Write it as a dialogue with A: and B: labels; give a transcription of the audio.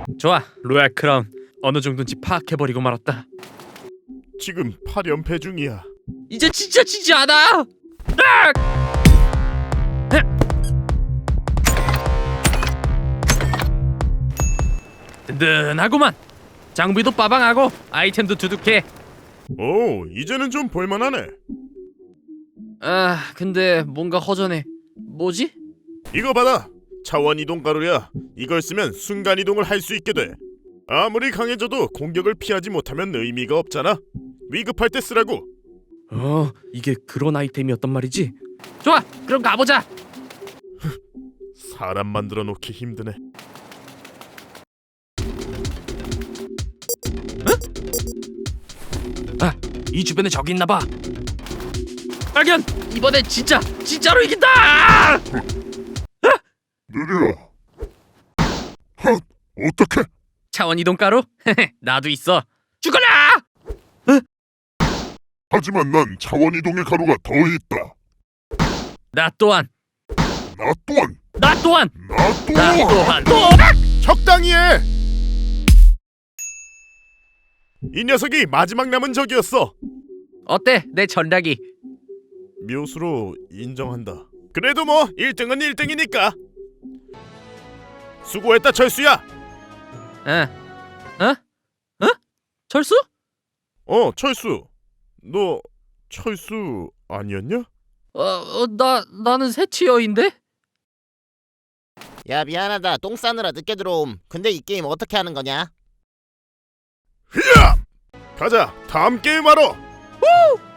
A: 좋아, 로얄 크라운 어느 정도인지 파악해버리고 말았다.
B: 지금 8연패 중이야.
A: 이제 진짜 지지 않아! 든든하구만. 장비도 빠방하고 아이템도 두둑해.
B: 오, 이제는 좀 볼만하네.
A: 아, 근데 뭔가 허전해. 뭐지?
B: 이거 받아. 차원 이동 가루야. 이걸 쓰면 순간 이동을 할 수 있게 돼. 아무리 강해져도 공격을 피하지 못하면 의미가 없잖아. 위급할 때 쓰라고.
A: 이게 그런 아이템이었단 말이지? 좋아, 그럼 가보자.
B: 사람 만들어 놓기 힘드네.
A: 아, 이 주변에 적이 있나봐. 발견! 이번엔 진짜로 이긴다!
B: 느려. 헛, 어떡해?
A: 차원 이동 가루? 나도 있어. 죽어라!
B: 하지만 난 차원 이동의 가루가 더 있다.
A: 나 또한.
B: 나 또한.
A: 나 또한.
B: 나 또한. 적당히 해. 이 녀석이 마지막 남은 적이었어.
A: 어때? 내 전략이.
B: 묘수로 인정한다. 그래도 뭐 1등은 1등이니까. 수고했다 철수야.
A: 철수?
B: 철수. 너 철수 아니었냐?
A: 나는 새치어인데?
C: 야 미안하다 똥 싸느라 늦게 들어옴. 근데 이 게임 어떻게 하는 거냐?
B: 히야! 가자. 다음 게임 하러.